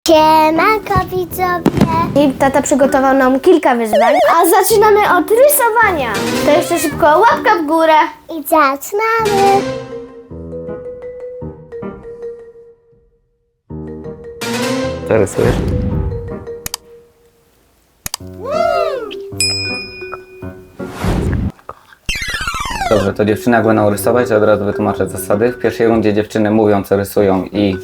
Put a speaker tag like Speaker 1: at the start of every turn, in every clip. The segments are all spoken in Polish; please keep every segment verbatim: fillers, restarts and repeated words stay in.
Speaker 1: Siemanko widzowie!
Speaker 2: I tata przygotował nam kilka wyzwań, a zaczynamy od rysowania. To jeszcze szybko łapka w górę.
Speaker 1: I zaczynamy!
Speaker 3: Co rysujesz? Dobrze, to dziewczyny jak będą rysować, to od razu wytłumaczę zasady. W pierwszej rundzie dziewczyny mówią, co rysują i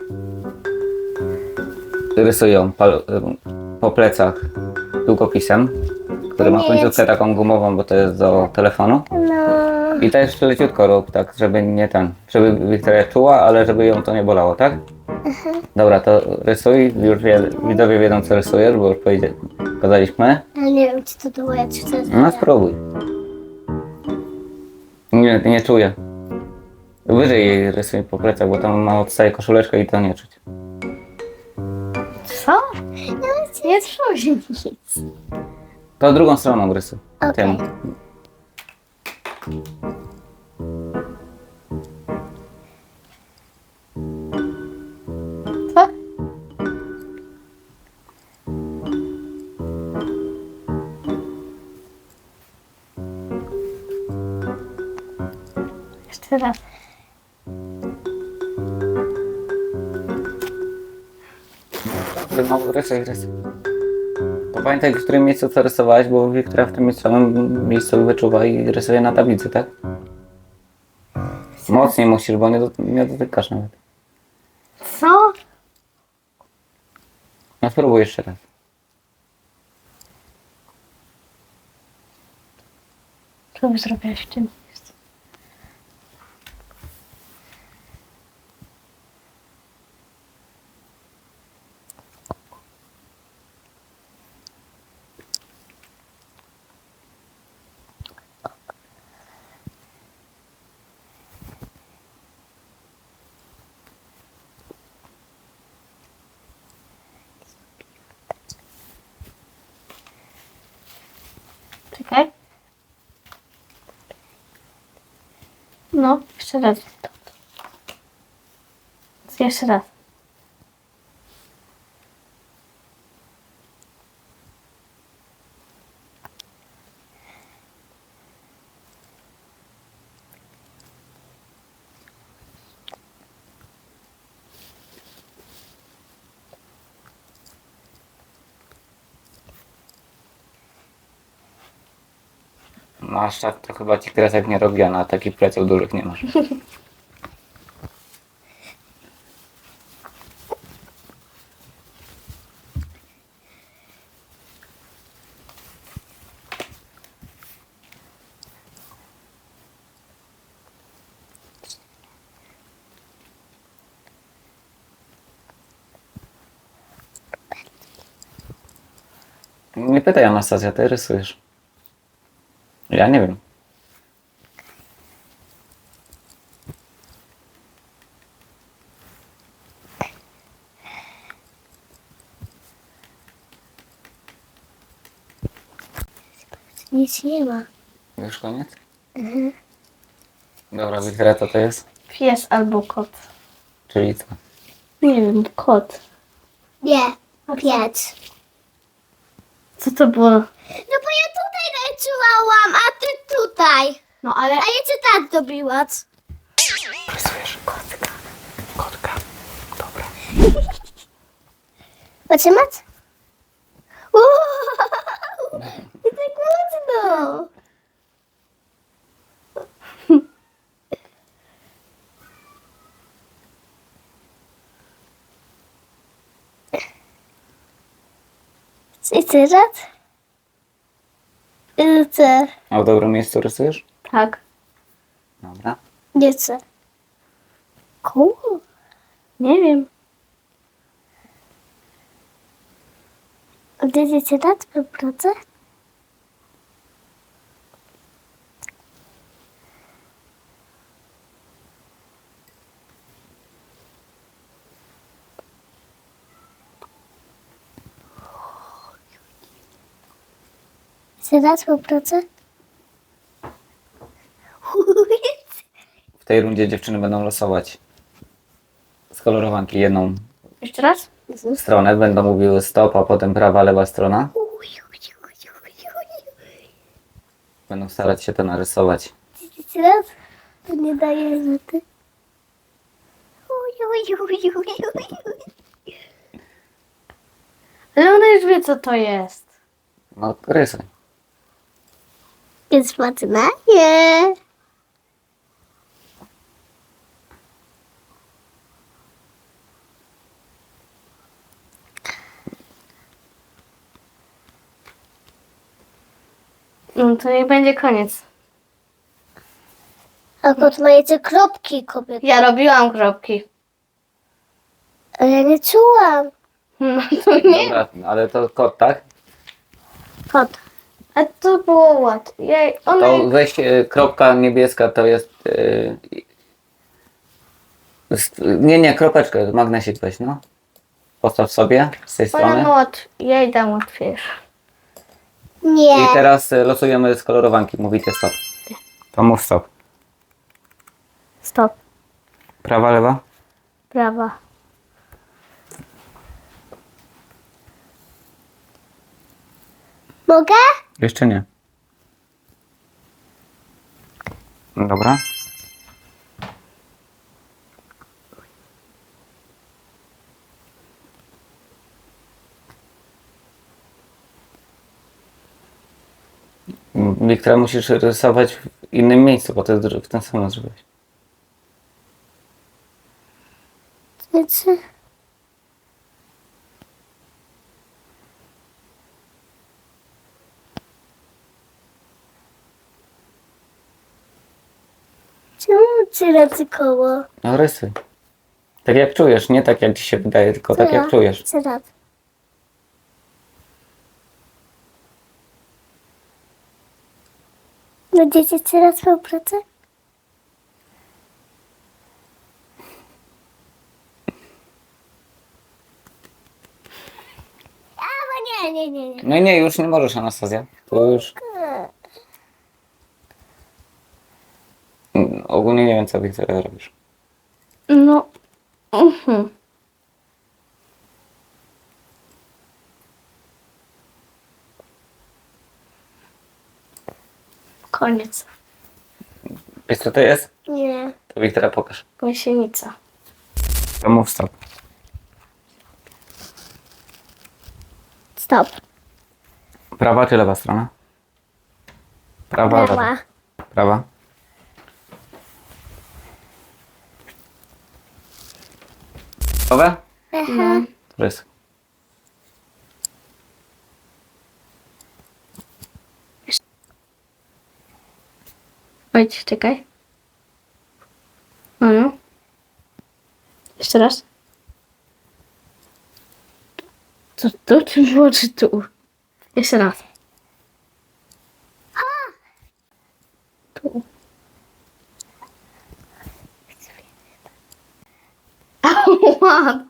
Speaker 3: rysują pal- po plecach długopisem, który ma końcówkę taką gumową, bo to jest do telefonu.
Speaker 1: No,
Speaker 3: I też leciutko rób, tak, żeby nie ten, żeby Wiktoria czuła, ale żeby ją to nie bolało, tak? Dobra, to rysuj, już wie, widzowie wiedzą, co rysujesz, bo już powiedzie- pokazaliśmy.
Speaker 1: ale nie wiem, czy to było, czy to jest.
Speaker 3: No spróbuj. Nie, nie czuję. Wyżej jej rysuj po plecach, bo tam ma odstaje koszuleczkę i to nie czuć.
Speaker 2: Co? Nie czuję nic.
Speaker 3: To drugą stroną rysuj.
Speaker 1: Okej.
Speaker 3: Tym.
Speaker 2: Co? Jeszcze raz.
Speaker 3: No, rysuj, rysuj. To pamiętaj, w którym miejscu co rysowałeś, bo Wiktoria w tym samym miejscu wyczuwa i rysuje na tablicy, tak? Mocniej musisz, bo nie, do, nie dotykasz nawet.
Speaker 2: Co?
Speaker 3: No spróbuj jeszcze raz.
Speaker 2: Co by zrobiłaś w tym miejscu? Czekaj. No, jeszcze raz. Jeszcze raz.
Speaker 3: No aż tak to chyba ci kresek nie robi, a na takich pleców dużych nie masz. Nie pytaj, Anastazja, ty rysujesz. Ja nie wiem.
Speaker 1: Nic nie ma.
Speaker 3: Już koniec? Mhm. Dobra, Wiktoria, co to jest?
Speaker 2: Pies albo kot.
Speaker 3: Czyli co?
Speaker 2: Nie wiem, kot.
Speaker 1: Nie, piec.
Speaker 2: Co to było?
Speaker 1: No bo ja tutaj rysowałam, a ty tutaj.
Speaker 2: No ale...
Speaker 1: A ja cię tak dobiła.
Speaker 3: Rysujesz kotka. Kotka. Dobra.
Speaker 1: Potrzymać? Uuu, i tak mocno. I teraz? I chcę.
Speaker 3: A w dobrym miejscu rysujesz?
Speaker 2: Tak.
Speaker 3: Dobra.
Speaker 1: Nie chcę. Cool.
Speaker 2: Nie wiem.
Speaker 1: Odjedziecie na twoją pracę? Chcę na twoją pracę?
Speaker 3: W tej rundzie dziewczyny będą losować z kolorowanki jedną.
Speaker 2: Jeszcze raz?
Speaker 3: stronę, będą mówiły stop, a potem prawa, lewa strona. Będą starać się to narysować.
Speaker 1: Teraz to nie daje rzuty.
Speaker 2: Ale ona już wie, co to jest.
Speaker 3: No, rysuj.
Speaker 1: Jest Poznaje.
Speaker 2: No to niech będzie koniec.
Speaker 1: A kot ma jeszcze kropki kobieta.
Speaker 2: Ja robiłam kropki.
Speaker 1: Ale ja nie czułam.
Speaker 2: No to nie.
Speaker 3: Dobra, ale to kot, tak?
Speaker 1: Kot.
Speaker 2: A to było łatwe. Jej, ona...
Speaker 3: To weź e, kropka niebieska, to jest... E, st- nie, nie, kropeczkę, magnesik weź, no. Postaw sobie z tej
Speaker 2: Ona
Speaker 3: strony.
Speaker 2: ma łatw... Jej dam łatwiejsze.
Speaker 1: Nie.
Speaker 3: I teraz e, losujemy z kolorowanki, mówicie stop. To mów stop.
Speaker 2: Stop.
Speaker 3: Prawa, lewa?
Speaker 2: Prawa.
Speaker 1: Mogę?
Speaker 3: Jeszcze nie. Dobra. Wiktora, musisz rysować w innym miejscu, bo to jest dru- w ten sam zrobiłeś.
Speaker 1: Znaczy... Czemu trzy razy koło?
Speaker 3: No rysuj. Tak jak czujesz, nie tak jak ci się wydaje, tylko tak jak czujesz.
Speaker 1: Trzy razy. Będziecie trzy razy swoją pracę? A, bo nie, nie, nie, nie.
Speaker 3: No i nie, już nie możesz, Anastazja. To już... Mm, Ogólnie nie wiem, co Wiktoria robisz.
Speaker 2: No. Mhm. Koniec.
Speaker 3: Wiesz, co to jest?
Speaker 1: Nie.
Speaker 3: To Wiktoria pokaż.
Speaker 2: Gąsienica.
Speaker 3: To mów stop.
Speaker 1: Stop.
Speaker 3: Prawa czy lewa strona? Prawa, lewa.
Speaker 1: Prawa.
Speaker 3: Prawa. Gotowe?
Speaker 1: Aha.
Speaker 3: Rys.
Speaker 2: Chodź, czekaj. No, no. Jeszcze raz. To tu czy było, czy tu? Jeszcze raz. Tu. Ała!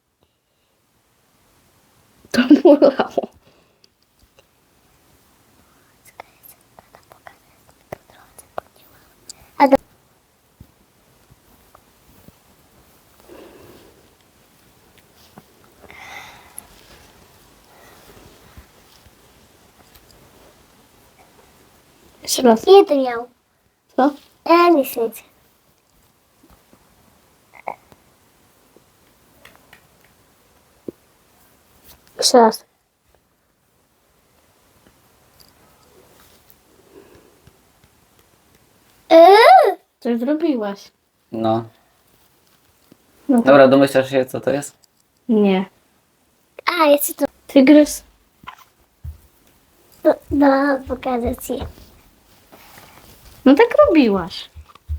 Speaker 2: To bolało.
Speaker 1: A do...
Speaker 2: Jeszcze raz.
Speaker 1: Jeden miał.
Speaker 2: Co?
Speaker 1: E, nic, nic.
Speaker 2: Jeszcze raz.
Speaker 1: Eee!
Speaker 2: Coś zrobiłaś.
Speaker 3: No.
Speaker 2: No to...
Speaker 3: Dobra, domyślasz się, co to jest?
Speaker 2: Nie.
Speaker 1: A, jeszcze to...
Speaker 2: Tygrys.
Speaker 1: No, no pokażę ci.
Speaker 2: No tak robiłaś.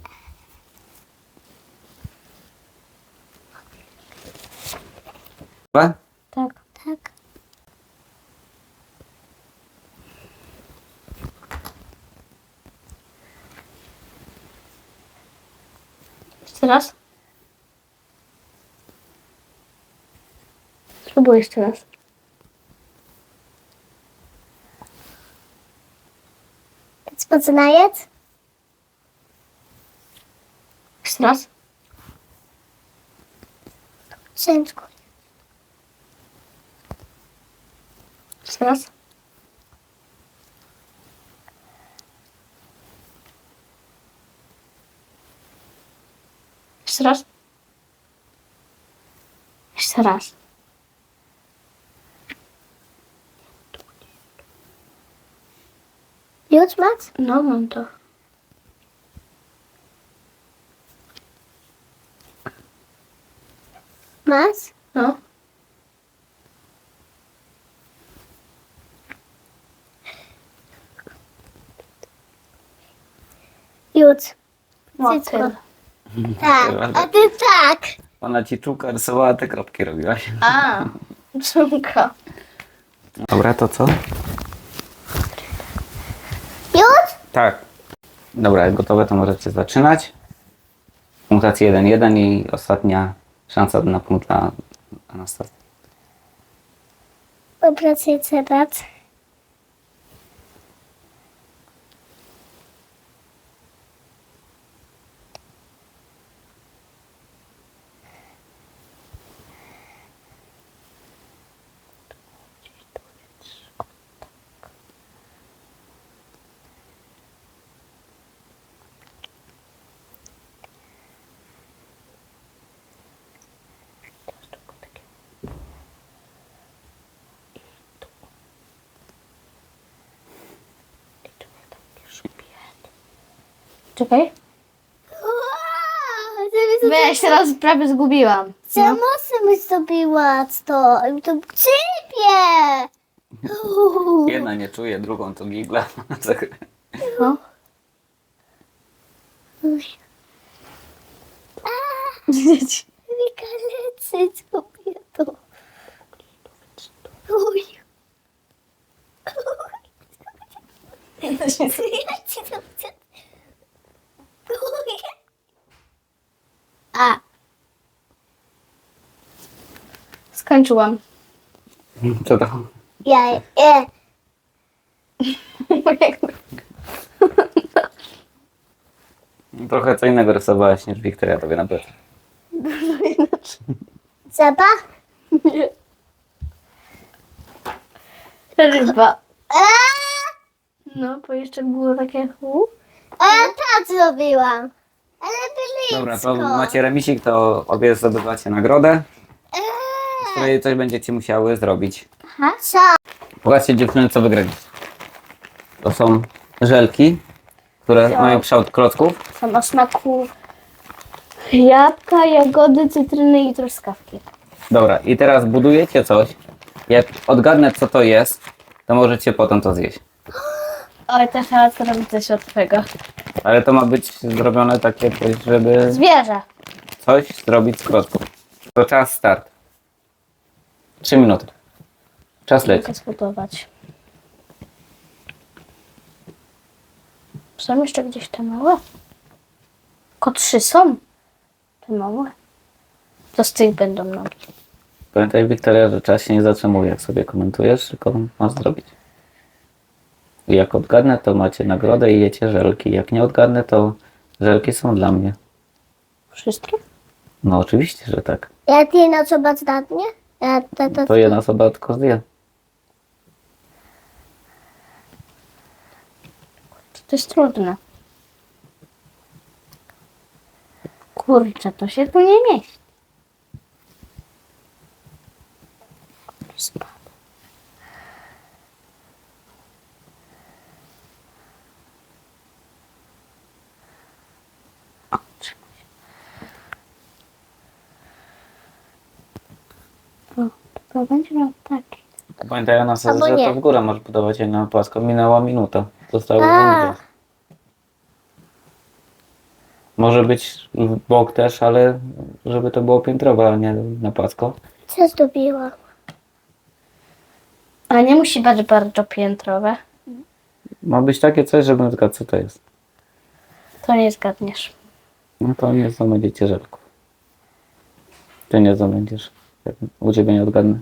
Speaker 3: Prawa?
Speaker 2: Tak.
Speaker 1: Tak.
Speaker 2: Jeszcze raz. Spróbuj jeszcze raz.
Speaker 1: Poznajec?
Speaker 2: Jeszcze raz.
Speaker 1: Ciężko.
Speaker 2: Jeszcze raz. Jeszcze raz. Jeszcze raz.
Speaker 1: Już masz?
Speaker 2: No, mam to.
Speaker 1: Masz?
Speaker 2: No.
Speaker 1: Już.
Speaker 2: Motyl.
Speaker 1: Tak, a ty tak.
Speaker 3: Ona ci czułka rysowała, te kropki robiłaś.
Speaker 2: A, czunka.
Speaker 3: Dobra, to co?
Speaker 1: Już?
Speaker 3: Tak. Dobra, jak gotowe, to możecie zaczynać. Punktacja jeden jeden i ostatnia szansa na punkt dla Anastazji.
Speaker 1: Popracuję teraz.
Speaker 2: Czekaj.
Speaker 1: Wow,
Speaker 2: Weź, teraz prawie zgubiłam.
Speaker 1: Co mocno mi zrobiła to? To ciebie!
Speaker 3: Jedna nie czuje, drugą to gigla.
Speaker 2: No. Dzieci.
Speaker 1: Wika lecy zrobię to. Uj. Ja ci to chcę. Uj. A,
Speaker 2: Skończyłam.
Speaker 3: Co to?
Speaker 1: ja, e,
Speaker 3: Trochę co innego rysowałaś niż Wiktoria tobie na pewno.
Speaker 1: zapach?
Speaker 2: Ryba.
Speaker 1: A,
Speaker 2: No, bo jeszcze było takie hu.
Speaker 1: a ja tak zrobiłam. Ale blisko.
Speaker 3: Dobra, to macie remisik, to obie zdobywacie nagrodę,
Speaker 1: Eee,
Speaker 3: z której coś będziecie musiały zrobić.
Speaker 1: Aha, co?
Speaker 3: Pokażcie dziewczyny, co wygraliście. To są żelki, które mają kształt klocków.
Speaker 2: Są o smaku jabłka, jagody, cytryny i truskawki.
Speaker 3: Dobra, i teraz budujecie coś. Jak odgadnę, co to jest, to możecie potem to zjeść.
Speaker 2: Oj, też trzeba zrobić coś od tego.
Speaker 3: Ale to ma być zrobione takie, coś, żeby
Speaker 2: Zwierzę.
Speaker 3: coś zrobić z klocków. To czas start. Trzy minuty. Czas leci.
Speaker 2: Mogę zbudować. Są jeszcze gdzieś te małe? Tylko trzy są. Te małe. To z tych będą nogi.
Speaker 3: Pamiętaj, Wiktoria, że czas się nie zatrzymuje, jak sobie komentujesz, tylko masz zrobić. I jak odgadnę, to macie nagrodę i jecie żelki. Jak nie odgadnę, to żelki są dla mnie.
Speaker 2: Wszystkie?
Speaker 3: No oczywiście, że tak.
Speaker 1: Ja ty na co badanie? Ja to, to,
Speaker 3: To jedna osoba tylko zdjęła.
Speaker 2: To jest trudne. Kurczę, to się tu nie mieści. Spadł. O, trzymaj się. O, to będzie miał taki.
Speaker 3: Pamiętaj, ona sobie,
Speaker 1: Albo
Speaker 3: że
Speaker 1: nie.
Speaker 3: to w górę możesz budować, a nie na płasko. Minęła minuta. Zostały
Speaker 1: A.
Speaker 3: dwie. Może być w bok też, ale żeby to było piętrowe, a nie na płasko.
Speaker 1: co zrobiłam?
Speaker 2: Ale nie musi być bardzo piętrowe.
Speaker 3: Ma być takie coś, żebym zgadł, co to jest.
Speaker 2: To nie zgadniesz.
Speaker 3: No to nie zdobędziecie żelków. Ty nie zdobędziesz. Jak u ciebie nie odgadnę.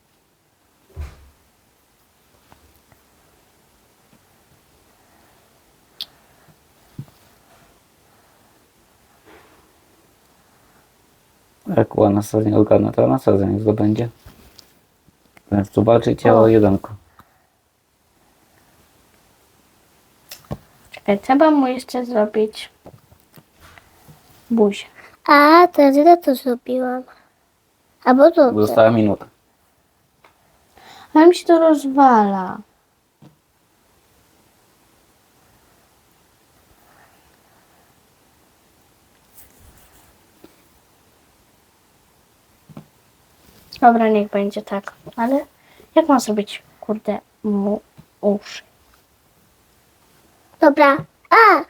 Speaker 3: Jak u Anastazji nie odgadnę, to Anastazja nie zdobędzie. Więc tu walczycie o
Speaker 2: O.
Speaker 3: jedenko.
Speaker 2: Czekaj, trzeba mu jeszcze zrobić buzię.
Speaker 1: A, to źle to zrobiłam. Albo to.
Speaker 3: Została minuta.
Speaker 2: Ale mi się to rozwala. Dobra, niech będzie tak. Ale jak mam zrobić, kurde, mu uszy?
Speaker 1: Dobra. A!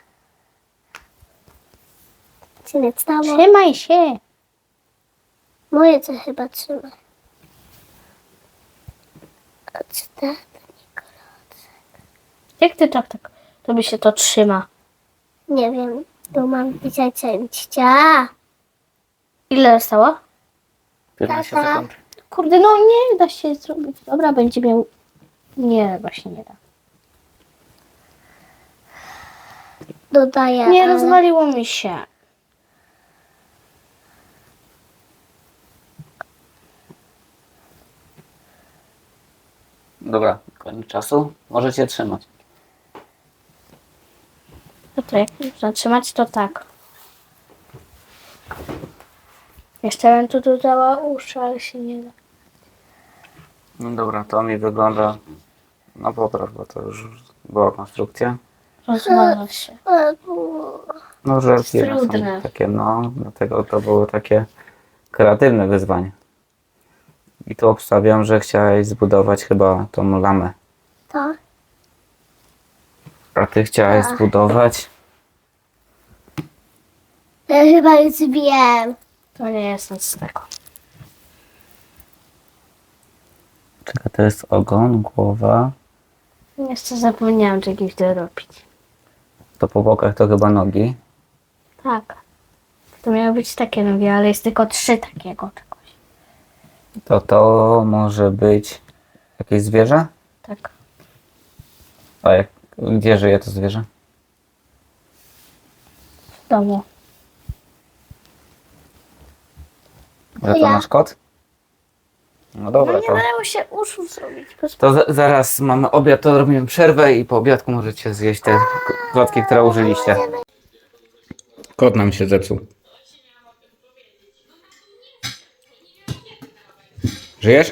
Speaker 1: Się nie stało.
Speaker 2: Trzymaj się.
Speaker 1: Moje co chyba trzyma. Odstawię.
Speaker 2: Jak ty tak, tak, to by się to trzyma?
Speaker 1: Nie wiem. Tu mam pisać cięcia.
Speaker 2: Ile zostało?
Speaker 3: piętnaście
Speaker 1: Tata.
Speaker 3: sekund.
Speaker 2: Kurde, no nie da się zrobić. Dobra, będzie miał... Nie, właśnie nie da.
Speaker 1: Dodaję.
Speaker 2: Nie,
Speaker 1: ale-
Speaker 2: rozwaliło mi się.
Speaker 3: Dobra, koniec czasu. Możecie trzymać.
Speaker 2: No to jak zatrzymać, to tak. Jeszcze bym tu dodała uszy, ale się nie da.
Speaker 3: No dobra, to mi wygląda na popraw, bo to już była konstrukcja.
Speaker 2: Rozwala się.
Speaker 1: A, bu-
Speaker 3: No żelki
Speaker 2: Trudne.
Speaker 3: są takie, no, dlatego to było takie kreatywne wyzwanie. I tu obstawiam, że chciałeś zbudować chyba tą lamę.
Speaker 1: To.
Speaker 3: A ty chciałeś
Speaker 1: Tak.
Speaker 3: zbudować...
Speaker 1: Ja chyba już wiem.
Speaker 2: To nie jest nic z tego.
Speaker 3: Czekaj, to jest ogon, głowa.
Speaker 2: Jeszcze zapomniałam czegoś dorobić.
Speaker 3: To po bokach to chyba nogi.
Speaker 2: Tak. To miały być takie nogi, ale jest tylko trzy takiego czegoś.
Speaker 3: To to może być jakieś zwierzę?
Speaker 2: Tak.
Speaker 3: A jak, gdzie żyje to zwierzę?
Speaker 2: W domu.
Speaker 3: Że to
Speaker 1: Ja.
Speaker 3: nasz kot? No
Speaker 2: No
Speaker 3: dobra,
Speaker 2: nie
Speaker 3: to,
Speaker 2: dało się uszu zrobić. Bez...
Speaker 3: to za, zaraz mamy obiad, to robimy przerwę i po obiadku możecie zjeść te klocki, które użyliście. Kot nam się zepsuł. Żyjesz?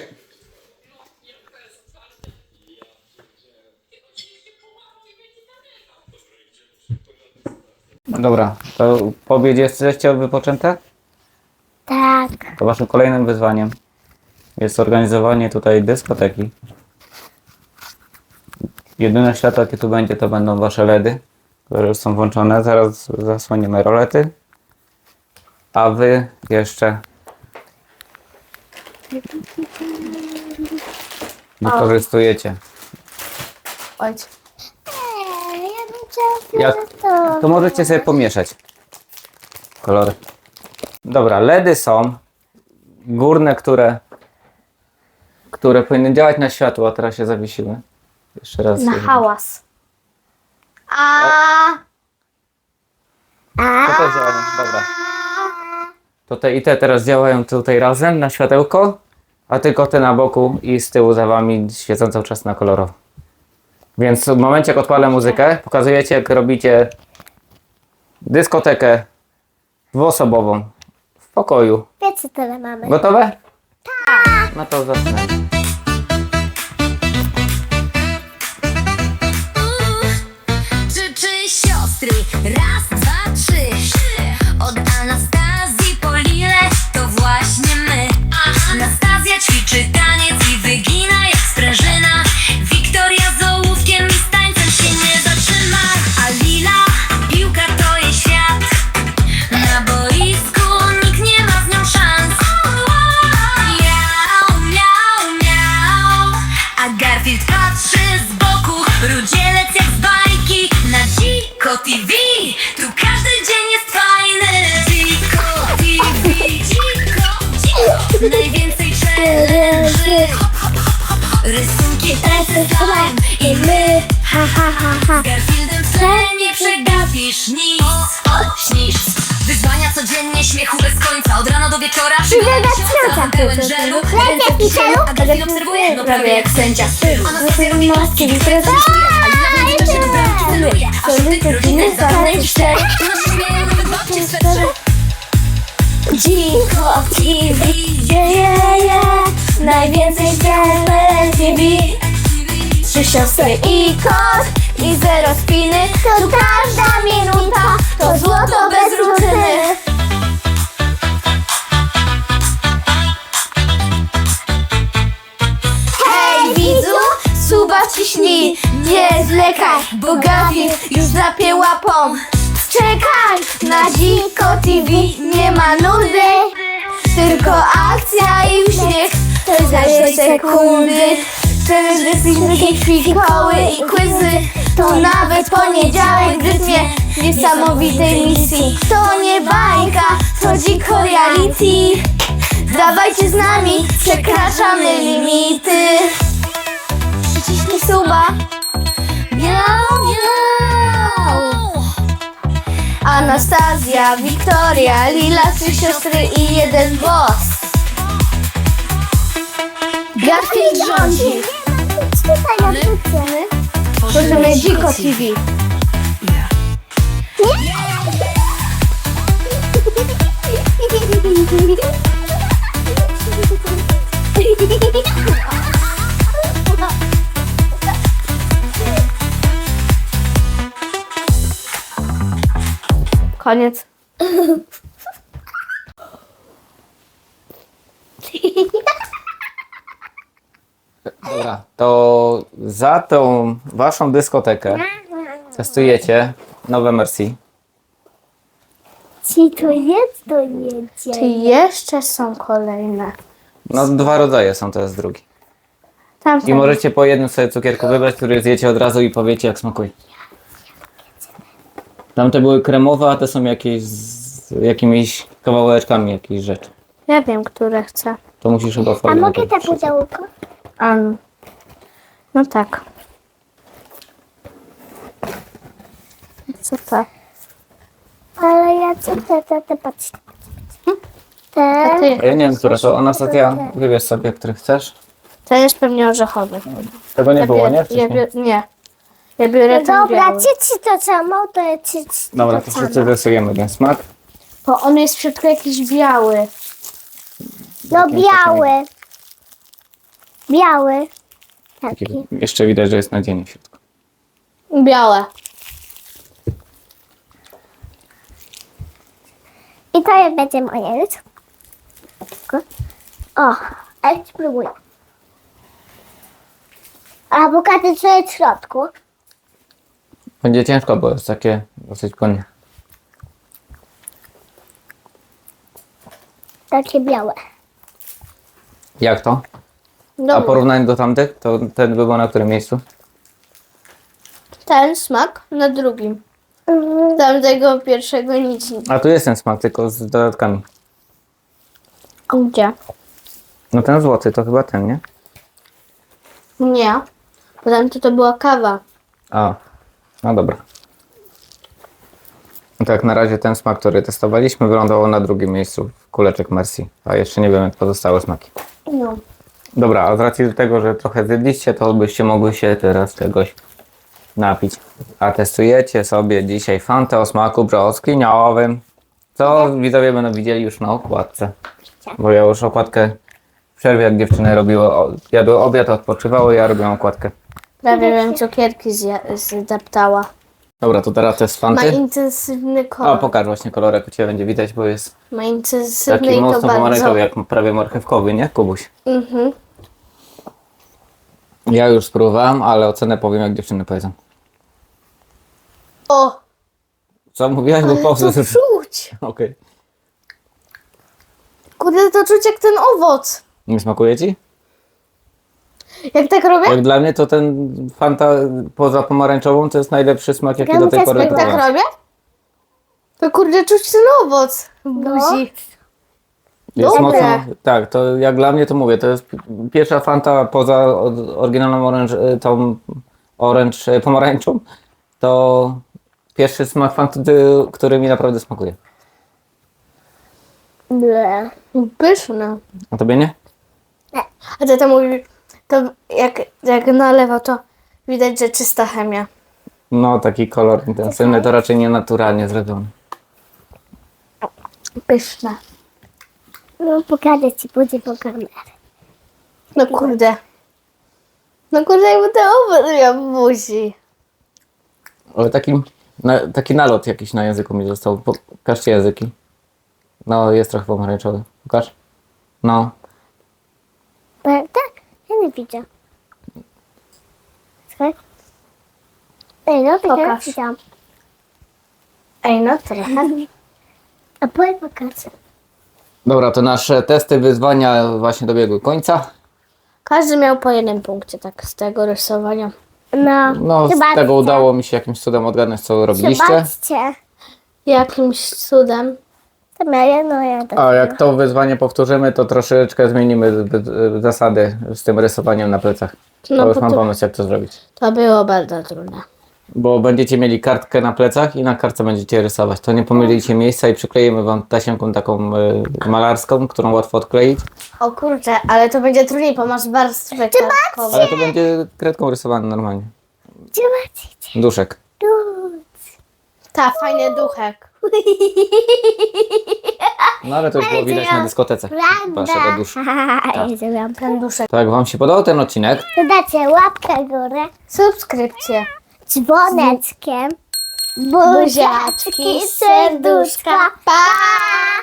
Speaker 3: Dobra, to po obiedzie jesteście wypoczęte?
Speaker 1: Tak.
Speaker 3: To waszym kolejnym wyzwaniem jest organizowanie tutaj dyskoteki. Jedyne światło, jakie tu będzie, to będą wasze LEDy, które już są włączone. Zaraz zasłoniemy rolety. A wy jeszcze wykorzystujecie.
Speaker 2: Ojciec.
Speaker 1: Ej, ja bym chciała
Speaker 3: Jak,
Speaker 1: fioletowe.
Speaker 3: to możecie sobie pomieszać kolory. Dobra, LEDy są górne, które które powinny działać na światło, a teraz się zawiesiły. Jeszcze raz.
Speaker 2: Na hałas. A.
Speaker 3: To też działają, dobra. To te i te teraz działają tutaj razem na światełko, a tylko te na boku i z tyłu za wami świecą cały czas na kolorowo. Więc w momencie jak odpalę muzykę, pokazujecie jak robicie dyskotekę dwuosobową w pokoju.
Speaker 1: Wiecie, tyle mamy.
Speaker 3: Gotowe? Tak. No to zaczynamy.
Speaker 4: Trzy, trzy siostry, raz, dwa, trzy. Od Anastazji po Lilę to właśnie my. Anastazja ćwiczy taniec i wygina jak sprężyna. Wiktoria z ołówkiem i z tańcem się nie zatrzyma. A Lila, piłka to jej świat. Na boisku nikt nie ma z nią szans. Miau, miau, miau. A Garfield patrzy z boku, rudzielec jak z bajki. Na Dziko T V, tu każdy dzień jest fajny. Dziko T V, dziko, dziko. Najwięcej challenge'y. Hop, hop, hop, hop. Rysunki, tańce, slime i my.
Speaker 1: Ha, ha, ha, ha.
Speaker 4: Z Garfieldem w tle nie przegapisz nic. Śnisz. Wyzwania codziennie, śmiechu bez końca. Od rana do wieczora przygoda tysiąca. Pełen żelu, ręce w kieszeniu. A Garfield obserwuje, no prawie jak sędzia stylu. Anastazja robi maski, Wiktoria zapisuje. A Lila będzie czasie do bramki. gumy. Solid rodziny, zanej cztery. Na siebie nowy babcie swetrze. Dziko T V, yeah, yeah, yeah. Najwięcej w T V. Trzy siostry i kot i zero spiny. To każda minuta to złoto bez rutyny. Hej widzu, suba ciśnij, nie zlekaj, bo Gafi już zapie łapą. Czekaj na Dziko T V, nie ma nudy, tylko akcja i uśmiech, to za dwie sekundy. Wtedy filmiki, fikoły i quizy, to nawet poniedziałek w rytmie niesamowitej misji. To nie bajka, to dziko reality. Dawajcie z nami, przekraczamy limity. Przyciśnij suba. Miau, miau. Anastazja, Wiktoria, Lila, trzy siostry i jeden boss. Garfield rządzi.
Speaker 1: Czytaj na wrócimy.
Speaker 2: Możemy Dziko T V. Koniec.
Speaker 3: Dobra, to za tą waszą dyskotekę testujecie nowe Merci.
Speaker 1: Ci to jest, to jedzie.
Speaker 2: Czy jeszcze są kolejne?
Speaker 3: No dwa rodzaje są, to jest drugi.
Speaker 2: Tam
Speaker 3: I możecie po jednym sobie cukierku wybrać, który zjecie od razu i powiecie jak smakuje. Tamte były kremowe, a te są jakieś z jakimiś kawałeczkami jakiejś rzeczy.
Speaker 2: Ja wiem, które chcę.
Speaker 3: To musisz chyba
Speaker 1: A
Speaker 3: folię
Speaker 1: mogę
Speaker 3: najpierw
Speaker 1: te
Speaker 3: przyciąć.
Speaker 1: pudełko?
Speaker 2: A, no. No tak. Co to?
Speaker 1: Ale ja co te, te, te, patrz. Te.
Speaker 2: A ty,
Speaker 3: A ja nie wiem, która to. Anastazja, wybierz sobie, który chcesz.
Speaker 2: to jest pewnie orzechowy.
Speaker 3: Tego nie
Speaker 2: Ja
Speaker 3: było,
Speaker 2: biorę-
Speaker 3: nie?
Speaker 2: Ja
Speaker 3: Wcześniej?
Speaker 2: biorę, nie. Ja biorę ten
Speaker 1: Dobra,
Speaker 2: biały.
Speaker 1: ci ci to samo, to ja ci ci
Speaker 3: Dobra,
Speaker 1: to
Speaker 3: to
Speaker 1: samo.
Speaker 3: wszyscy testujemy ten smak.
Speaker 2: Bo on jest w środku jakiś biały.
Speaker 1: No
Speaker 3: Jakim
Speaker 1: biały. Biały. Taki.
Speaker 3: Taki- Jeszcze widać, że jest nadzienie w środku.
Speaker 2: Białe.
Speaker 1: I to będzie moje już. O, a ja spróbuję. A bogaty co jest w środku?
Speaker 3: Będzie ciężko, bo jest takie dosyć płynne.
Speaker 1: Takie białe.
Speaker 3: Jak to? A
Speaker 2: Dobra.
Speaker 3: porównanie do tamtych, to ten by był na którym miejscu?
Speaker 2: Ten smak na drugim.
Speaker 1: Mhm.
Speaker 2: Tamtego pierwszego nic nie.
Speaker 3: A tu jest ten smak, tylko z dodatkami.
Speaker 2: Gdzie?
Speaker 3: No ten złoty to chyba ten, nie?
Speaker 2: Nie. Bo tamto to była kawa.
Speaker 3: A, no dobra. No tak, na razie ten smak, który testowaliśmy, wylądował na drugim miejscu w kuleczek Merci. A jeszcze nie wiem, jak pozostałe smaki.
Speaker 2: No.
Speaker 3: Dobra, a z racji do tego, że trochę zjedliście, to byście mogły się teraz czegoś napić. A testujecie sobie dzisiaj Fantę o smaku brzoskwiniowym. Co widzowie będą widzieli już na okładce. Bo ja już okładkę w przerwie, jak dziewczyny robiły, o- jadły obiad, odpoczywały, ja robiłem okładkę.
Speaker 2: Prawie bym cukierki zja- zdeptała.
Speaker 3: Dobra, to teraz test
Speaker 2: Ma
Speaker 3: Fanty.
Speaker 2: intensywny
Speaker 3: A,
Speaker 2: kolor.
Speaker 3: pokaż właśnie kolorek, u Ciebie będzie widać, bo jest
Speaker 2: Ma intensywny
Speaker 3: taki
Speaker 2: i to
Speaker 3: mocno
Speaker 2: bardzo.
Speaker 3: pomarańczowy, jak prawie marchewkowy, nie, Kubuś?
Speaker 2: Mhm.
Speaker 3: Ja już spróbowałem, ale ocenę powiem, jak dziewczyny powiedzą.
Speaker 2: O!
Speaker 3: Co mówiłaś, bo
Speaker 2: To
Speaker 3: pauzę
Speaker 2: czuć!
Speaker 3: Okej.
Speaker 2: Kurde, to czuć jak ten owoc.
Speaker 3: Nie smakuje Ci?
Speaker 2: Jak tak robię?
Speaker 3: Jak dla mnie to ten Fanta poza pomarańczową to jest najlepszy smak, jaki
Speaker 1: Ja
Speaker 3: do tej
Speaker 1: bym
Speaker 3: pory
Speaker 1: też
Speaker 2: Jak tak
Speaker 3: próbowałem.
Speaker 2: robię? To kurde, czuć ten owoc w buzi.
Speaker 3: Jest
Speaker 2: Dobre.
Speaker 3: mocno, tak, to jak dla mnie to mówię, to jest pi- pierwsza Fanta poza od- oryginalną orange, y, tą orange y, pomarańczą, to pierwszy smak Fanty, który mi naprawdę smakuje.
Speaker 1: Ble.
Speaker 2: Pyszne.
Speaker 3: A tobie nie?
Speaker 2: A tata mówi, to jak, jak nalewa, to widać, że czysta chemia.
Speaker 3: No, taki kolor intensywny to raczej nie naturalnie zrobiony.
Speaker 2: Pyszne.
Speaker 1: No pokażę ci później po kamerę.
Speaker 2: No kurde. No kurde, jakby te owoce miał w buzi.
Speaker 3: Ale taki, na, taki nalot jakiś na języku mi został. Pokażcie języki. No, jest trochę pomarańczowy. Pokaż. No.
Speaker 1: Prawda? Ja nie widzę. Słuchaj. Ej, no to ja
Speaker 2: Pokaż.
Speaker 1: widziałam.
Speaker 2: Ej, no trochę.
Speaker 1: A powiem pokażę.
Speaker 3: Dobra, to nasze testy, wyzwania właśnie dobiegły końca.
Speaker 2: Każdy miał po jednym punkcie tak z tego rysowania.
Speaker 1: No,
Speaker 3: No, z
Speaker 1: zobaczcie.
Speaker 3: tego udało mi się jakimś cudem odgadnąć, co robiliście.
Speaker 1: Zobaczcie.
Speaker 2: Jakimś cudem.
Speaker 1: To miałem, no ja tak.
Speaker 3: A jak to wyzwanie powtórzymy, to troszeczkę zmienimy z- z- zasady z tym rysowaniem na plecach.
Speaker 2: No,
Speaker 3: To już
Speaker 2: bo
Speaker 3: mam
Speaker 2: to-
Speaker 3: pomysł, jak to zrobić.
Speaker 2: To było bardzo trudne.
Speaker 3: Bo będziecie mieli kartkę na plecach i na kartce będziecie rysować. To nie pomylicie miejsca i przykleimy wam tasiemką taką y, malarską, którą łatwo odkleić.
Speaker 2: O kurczę, ale to będzie trudniej, bo masz warstwę kartkową.
Speaker 3: Ale to będzie kredką rysowane normalnie.
Speaker 1: Zobaczcie.
Speaker 3: Duszek.
Speaker 1: Tu.
Speaker 2: Ta, fajny duchek.
Speaker 3: No ale to już było widać na dyskotece. Waszego
Speaker 1: Prawda.
Speaker 3: duszka.
Speaker 1: Ja zrobiłam
Speaker 2: Ten duszek.
Speaker 3: Tak, wam się podobał ten odcinek?
Speaker 1: Dodajcie łapkę w górę,
Speaker 2: Subskrypcje.
Speaker 1: dzwoneczkiem, buziaczki, serduszka.
Speaker 2: Pa!